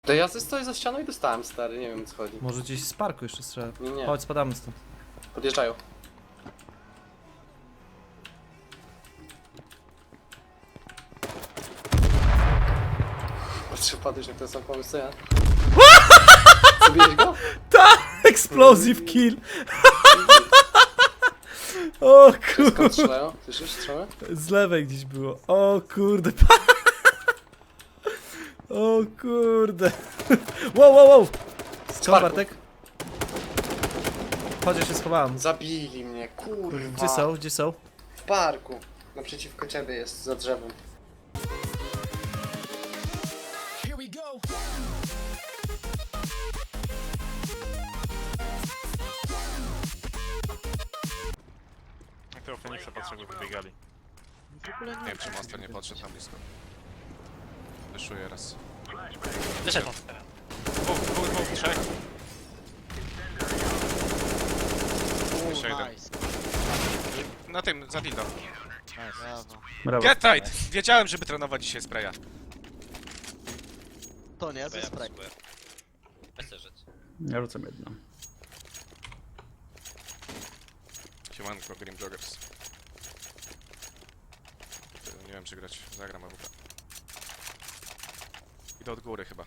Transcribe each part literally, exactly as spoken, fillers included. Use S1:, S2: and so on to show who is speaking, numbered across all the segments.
S1: To ja stoję za ścianą i dostałem, stary, nie wiem, co chodzi.
S2: Może gdzieś z parku jeszcze strzela.
S1: Nie, nie.
S2: Chodź, spadamy stąd.
S1: Podjeżdżają. Patrzę, padłeś na ten sam pomysł, co ja. Zabiłeś go?
S2: Explosive kill! O
S1: Skąd
S2: kurde.
S1: strzelają? Słyszysz strzałę?
S2: Z lewej gdzieś było. O kurde. O kurde. Wow, wow, wow. Skąd
S1: parku.
S2: Bartek? Chodź, ja się schowałem.
S1: Zabili mnie, kurwa.
S2: Gdzie są? Gdzie są?
S1: W parku. Naprzeciwko ciebie jest, za drzewem.
S3: Here we go.
S4: Jak tego Feniksa potrzebnie wybiegali.
S5: Nie wiem, czy Monster nie podszedł tam blisko. Wyszuję raz.
S4: Wyszedł Monster. Dwóch, dwóch, dwóch, trzech. Jeszcze jeden.
S5: Nice. Na tym, za dildo.
S3: Brawo.
S2: Brawo.
S5: Get tight! Wiedziałem, żeby trenować dzisiaj spraya.
S3: To nie, ze spray.
S2: Ja rzucam jedno.
S5: Siemanko, Grim Joggers. Nie wiem, czy grać. Zagram A W P. Idę od góry chyba.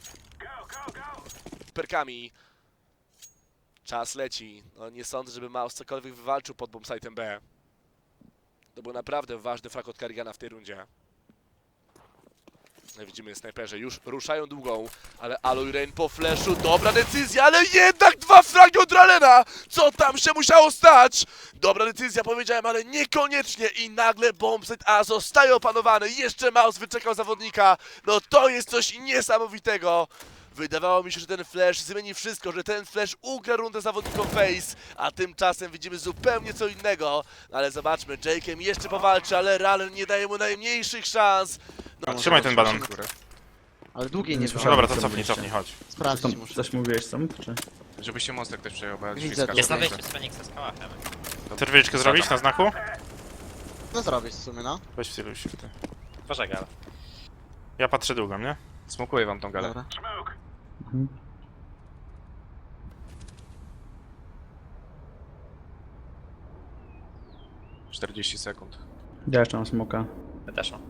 S5: Perkami. Czas leci. No nie sądzę, żeby Mouse cokolwiek wywalczył pod bombsite'em B. To był naprawdę ważny frak od Karigana w tej rundzie. No widzimy, snajperzy już ruszają długą, ale Aloy Rain po flashu, dobra decyzja, ale jednak dwa fragi od Ralena! Co tam się musiało stać? Dobra decyzja, powiedziałem, ale niekoniecznie i nagle bombsite A zostaje opanowany, jeszcze Mouse wyczekał zawodnika, no to jest coś niesamowitego! Wydawało mi się, że ten flash zmieni wszystko, że ten flash ugra rundę zawodnikom Face, a tymczasem widzimy zupełnie co innego. Ale zobaczmy, Jake'em jeszcze powalczy, ale Ralen nie daje mu najmniejszych szans. No,
S4: Trzymaj ten balon.
S3: Ale długiej nie
S4: No
S3: było.
S4: dobra, to cofnij, cofnij, chodź.
S3: Sprawdzić muszę.
S2: Coś mówiłeś sam, czy?
S5: Żeby się Monster też przejął, bo ja
S3: Widzę
S5: dzisiaj
S3: to.
S5: skaczę.
S3: Jest na
S5: Jest
S6: Feniksa z kałachem.
S4: Chcesz wyliczkę zrobić na znaku?
S3: No zrobić w sumie, no.
S4: Weź wciluj się w ty.
S6: Pożegal.
S4: Ja patrzę długą, nie?
S5: Smokuję wam tą galę.
S3: Dobra.
S5: czterdzieści sekund.
S2: Ja jeszcze mam smoka.
S6: Ja też mam.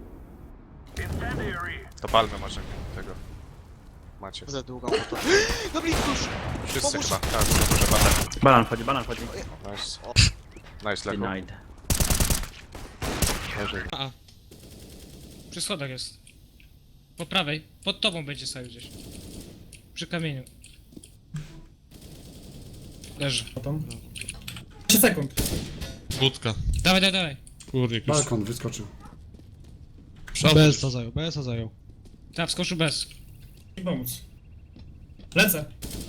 S5: To palmy może tego. Macie.
S3: Za długą to. No blisko już!
S5: Wszyscy
S3: Pomóż.
S5: chyba. Tak, duże bater.
S2: Banan wchodzi, banan wchodzi.
S5: Nice. Nice, Lego.
S2: Denied.
S7: A. Przy schodach jest. Po prawej. Pod tobą będzie stał gdzieś. Przy kamieniu. Leży.
S8: trzy sekund.
S7: Budka. Dawaj, dawaj, dawaj.
S8: Kurde, jakiś... Balkon wyskoczył.
S7: B S A zajął, B S A zajął. Tak, wskoczył bez.
S8: I pomóc. Lecę.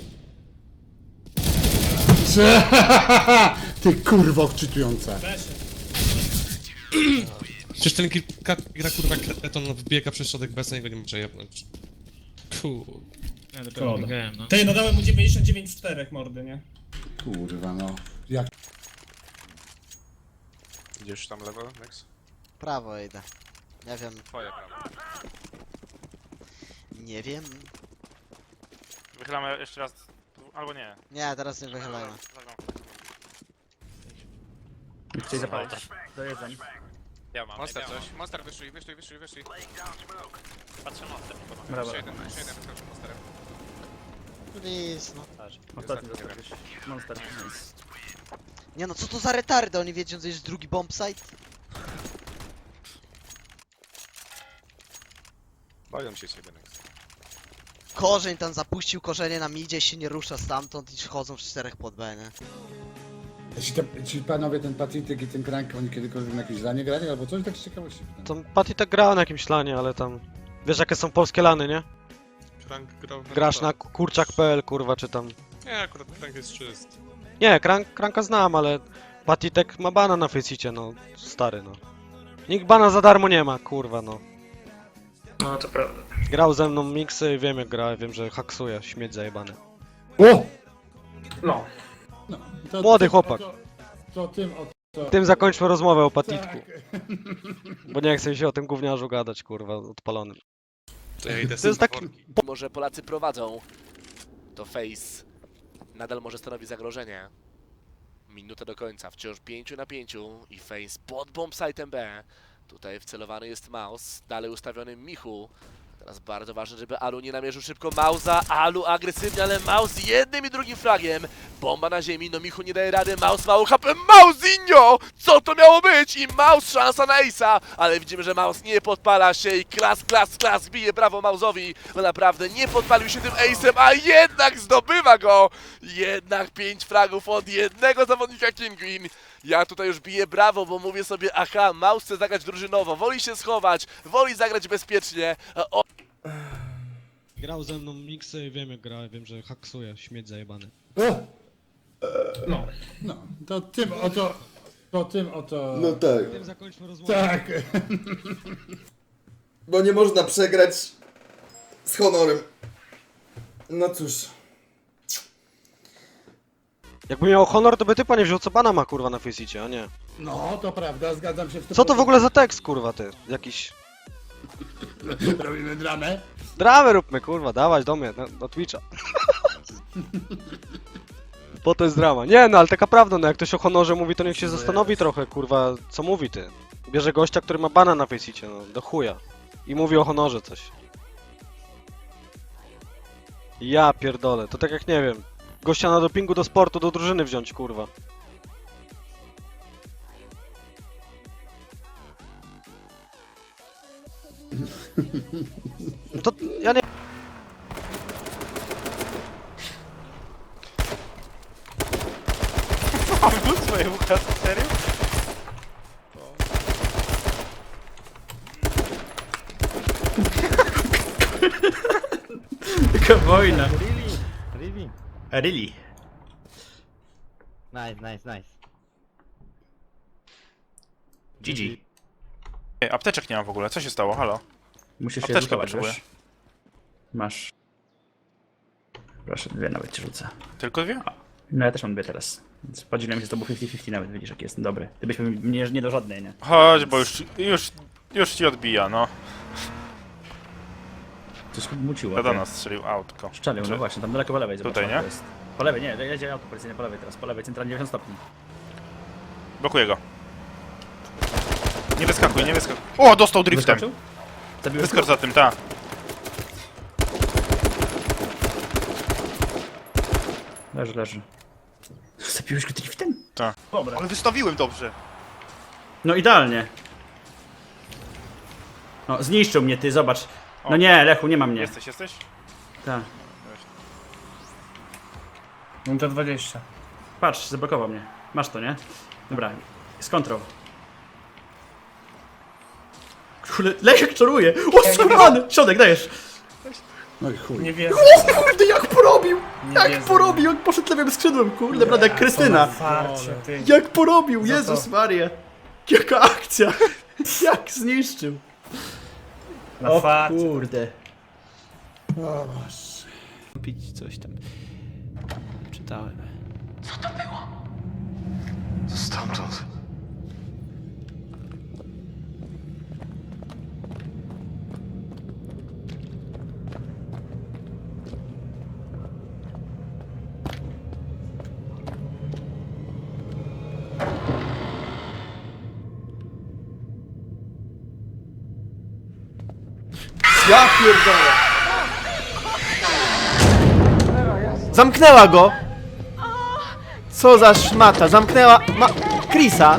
S9: Ty kurwo odczytujące.
S8: Weź.
S7: Przecież ten kilka gra kurwa kreton wbiega przez środek bez niego nie może jebnąć. Kurde. Ja dopiero
S8: Szkoda.
S7: biegałem, no.
S8: Ty, no dałem mu dziewięćdziesiąt dziewięć w czterech mordy, nie?
S9: Kurwa no. Jak
S5: Idziesz tam lewo, Max?
S3: Prawo idę. Nie wiem.
S5: Twoje prawo.
S3: Nie wiem.
S4: Wychylamy jeszcze raz. Albo nie.
S3: Nie, teraz nie wychylajmy.
S2: Chcieli zapalić. Dojeżdżam.
S6: Ja mam,
S5: Monster
S6: ja mam.
S5: coś. Monster wyszli, wyszli, wyszli, wyszli.
S6: Patrzę Monster.
S2: Brawo.
S5: Jeszcze jeden, jeszcze jeden wyskoczył Monsterem.
S3: Please, no.
S2: Ostatni
S5: Ostatni,
S2: został gdzieś. Monster.
S3: Nie no, co to za retardy? Oni wiedzą, że jest drugi bombsite?
S5: Boją się ciebie, Max.
S3: Korzeń tam zapuścił korzenie na midzie, się nie rusza stamtąd i chodzą w czterech pod B, nie?
S9: ci, te, ci panowie, ten Patritek i ten Krank, oni kiedykolwiek na jakieś zdanie grali albo coś? Tak z ciekawości pytam.
S10: To Patty tak grała na jakimś lanie, ale tam... Wiesz jakie są polskie lany, nie?
S7: Krank grał na
S10: Grasz na kurczak kropka p l, kurwa, czy tam...
S7: Nie, akurat Krank jest czysty.
S10: Nie, Krank, Kranka znam, ale... Patitek ma bana na Faceicie, no. Stary, no. Nikt bana za darmo nie ma, kurwa, no.
S6: No to prawda.
S10: Grał ze mną miksy i wiem jak gra, wiem, że haksuje, śmieć zajebany.
S9: O!
S6: No.
S9: No, to,
S10: Młody
S9: to,
S10: chłopak.
S9: To, to tym o to.
S10: Tym zakończmy rozmowę o Patitku.
S9: Tak.
S10: Bo nie chcę się o tym gówniarzu gadać, kurwa, odpalonym. To jest taki...
S5: Mimo że Polacy prowadzą, to Face nadal może stanowić zagrożenie. Minuta do końca, wciąż pięć na pięć i Face pod bombsite'em B. Tutaj wcelowany jest Maus, dalej ustawiony Michu. Teraz bardzo ważne, żeby Alu nie namierzył szybko Mausa. Alu agresywnie, ale Maus jednym i drugim fragiem. Bomba na ziemi, no Michu nie daje rady. Maus mało H P. Mausinho! Co to miało być? I Maus szansa na Ace'a. Ale widzimy, że Maus nie podpala się i klas, klas, klas bije brawo Mausowi. Bo naprawdę nie podpalił się tym Ace'em, a jednak zdobywa go. Jednak pięć fragów od jednego zawodnika Kinguin. Ja tutaj już biję brawo, bo mówię sobie, aha, Maus chce zagrać drużynowo, woli się schować, woli zagrać bezpiecznie. O...
S10: Grał ze mną miksy i wiem jak gra, wiem, że haksuje, śmieć zajebany.
S9: O!
S8: No.
S9: No, to tym oto... To tym oto...
S1: No tak.
S10: Tym zakończmy rozmowę.
S9: Tak.
S1: Bo nie można przegrać z honorem. No cóż.
S10: Jakby miał honor, to by typa nie wziął, co bana ma kurwa na Faceicie, a nie.
S9: No, to prawda, zgadzam się w
S10: Co to w ogóle za tekst kurwa ty? Jakiś...
S9: Robimy dramę.
S10: Dramę róbmy kurwa, dawać do mnie, na, na Twitcha. Po to jest drama. Nie no, ale taka prawda, no jak ktoś o honorze mówi, to niech się zastanowi trochę kurwa, co mówi ty. Bierze gościa, który ma bana na Faceicie, no do chuja. I mówi o honorze coś. Ja pierdolę, to tak jak nie wiem. Gościa na dopingu do sportu, do drużyny wziąć, kurwa. To ja nie...
S4: Swoje ucha, serio?
S2: Taka wojna.
S11: Really?
S2: Really?
S11: Nice, nice, nice.
S2: G G.
S4: Ej, apteczek nie mam w ogóle, co się stało, halo?
S2: Musisz się
S4: Apteczkę
S2: edukować,
S4: potrzebuję.
S2: wiesz? Masz. Proszę, dwie nawet ci rzucę.
S4: Tylko dwie?
S2: No ja też mam dwie teraz. Więc podzieliłem się z tobą pięćdziesiąt pięćdziesiąt nawet, widzisz jaki jestem dobry. Ty byś mnie nie do żadnej, nie?
S4: Chodź, bo już, już, już ci odbija, no.
S2: Coś muciło.
S4: To do nas strzelił autko.
S2: Szczelił, no właśnie, tam daleko po lewej, zobacz.
S4: Tutaj,
S2: tam
S4: nie?
S2: Jest. Po lewej, nie, jedzie auto policyjne po lewej teraz, po lewej, centralnie dziewięćdziesiąt stopni.
S4: Blokuję go. Nie wyskakuj, nie wyskakuj. O, dostał driftem.
S2: Wyskoczył? Zabiłeś
S4: Wyskocz za tym, ta.
S2: Leży, leży. Zabiłeś go driftem?
S4: Tak.
S2: Dobra.
S4: Ale wystawiłem dobrze.
S2: No idealnie. No, zniszczył mnie, ty, zobacz. No
S4: O.
S2: nie, Lechu, nie ma mnie.
S4: Jesteś, jesteś?
S2: Tak.
S8: Minuta dwadzieścia.
S2: Patrz, zablokował mnie. Masz to, nie? Dobra, z kontrol. Kurde, Lechek czaruje! O, skurwany! Środek, dajesz!
S9: No i chuj.
S8: Nie wierzę.
S2: O kurde, jak porobił!
S8: Nie
S2: Jak
S8: wierzę.
S2: porobił! Jak poszedł lewym skrzydłem, kurde, prawda, jak Krystyna!
S8: Farcie, ty.
S2: Jak porobił!
S8: Za
S2: Jezus
S8: to.
S2: Maria! Jaka akcja! Jak zniszczył!
S8: Na
S2: O
S8: farcie.
S2: kurde!
S9: O Boże.
S2: Pić coś tam. Czytałem.
S5: Stamtąd.
S1: Ja pierdolę.
S2: Zamknęła go! Co za szmata, zamknęła ma... Chrisa!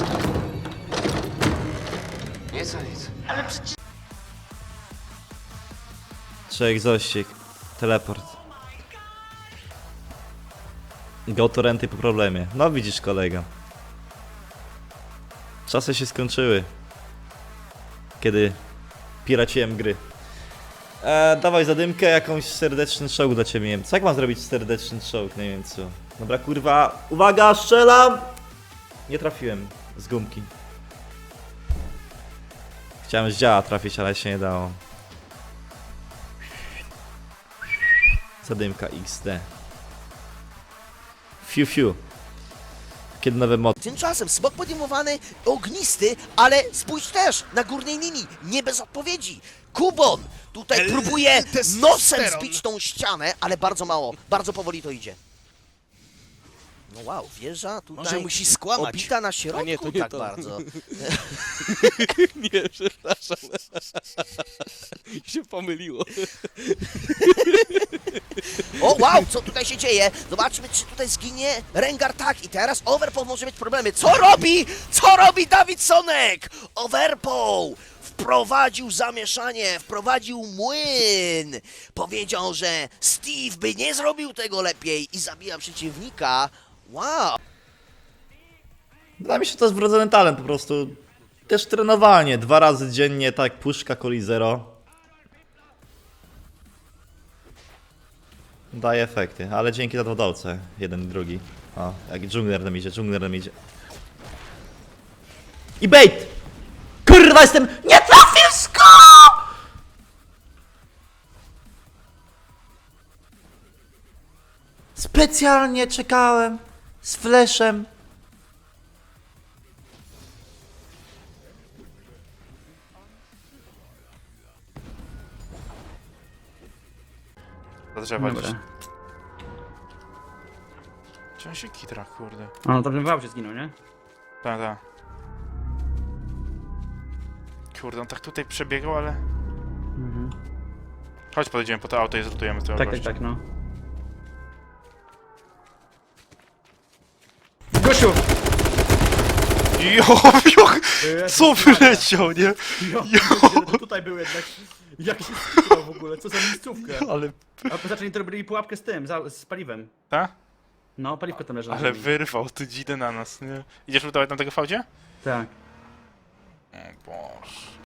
S5: Nic, nic.
S11: Trzech zościg. Teleport. Go to renty po problemie. No widzisz kolega. Czasy się skończyły. Kiedy piraciłem gry. E, dawaj zadymkę, jakąś serdeczny czołg dla ciebie, Niemcu. Jak mam zrobić serdeczny czołg, nie wiem co. Dobra kurwa, uwaga, strzelam! Nie trafiłem z gumki. Chciałem z działa trafić, ale się nie dało. Zadymka X D. Fiu fiu. Kiedy nowe mody.
S3: Tymczasem smok podejmowany, ognisty, ale spójrz też na górnej linii, nie bez odpowiedzi. Kubon tutaj próbuje nosem zbić tą ścianę, ale bardzo mało, bardzo powoli to idzie. No wow, wieża tutaj
S10: Może musi skłamać.
S3: obita na środku
S10: nie, to nie
S3: tak
S10: to.
S3: bardzo.
S10: Nie, przepraszam. się pomyliło.
S3: O wow, co tutaj się dzieje? Zobaczmy, czy tutaj zginie Rengar. Tak, i teraz Overpow może mieć problemy. Co robi? Co robi Davidsonek? Overpow wprowadził zamieszanie, wprowadził młyn. Powiedział, że Steve by nie zrobił tego lepiej i zabija przeciwnika. Wow.
S11: Dla mnie się to jest wrodzony talent po prostu. Też trenowanie, dwa razy dziennie, tak, puszka Coli Zero. Daje efekty, ale dzięki za dwodolce, jeden i drugi. O, jak dżungler nam idzie, dżungler nam idzie. I bait! Kurwa, jestem... Nie trafił sko! Specjalnie czekałem z flashem.
S4: Do drzewa gdzieś.
S2: Dobra.
S4: Gdzie on się kitra, kurde.
S2: A no to bym wał się zginął, nie?
S4: Tak, tak. Kurde, on tak tutaj przebiegał, ale...
S2: Mhm.
S4: Chodź, podejdziemy po to auto i zlutujemy tego
S2: Tak, tak,
S4: gościa.
S2: tak, no. Gosiu!
S4: Jo, jo, co wyleciał, nie?
S2: Jo, tutaj był jednak. Jak się skupiał w ogóle, co za miejscówkę.
S4: Ale...
S2: A zaczęli to robili pułapkę z tym, za, z paliwem.
S4: Ta?
S2: No, paliwko tam leży. na
S4: Ale
S2: ziemi.
S4: wyrwał tu dzidę na nas, nie? Idziesz lutować na tego fałdzie?
S2: Tak.
S4: O Boże.